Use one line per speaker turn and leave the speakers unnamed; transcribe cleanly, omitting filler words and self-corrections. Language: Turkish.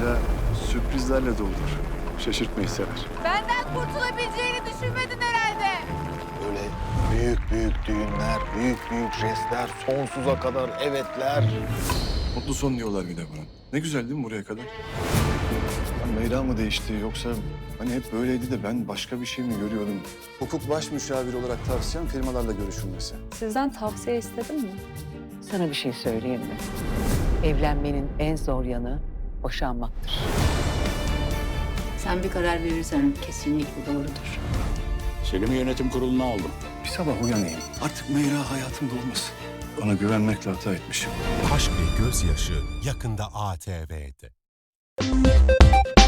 Meyra sürprizlerle doludur. Şaşırtmayı sever.
Benden kurtulabileceğini düşünmedin herhalde.
Böyle büyük büyük düğünler, büyük büyük jestler, sonsuza kadar evetler.
Mutlu son diyorlar bir de buna. Ne güzel değil mi buraya kadar? Ya Meyra mı değişti yoksa hani hep böyleydi de ben başka bir şey mi görüyordum? Hukuk baş müşaviri olarak tavsiyem firmalarla görüşülmesi.
Sizden tavsiye istedim mi?
Sana bir şey söyleyeyim mi? Evlenmenin en zor yanı boşanmaktır.
Sen bir karar verirsen kesinlikle doğrudur.
Selim'i yönetim kuruluna aldım.
Bir sabah uyanayım. Artık Meyra hayatımda olmasın. Ona güvenmekle hata etmişim.
Aşk ve Gözyaşı yakında ATV'de.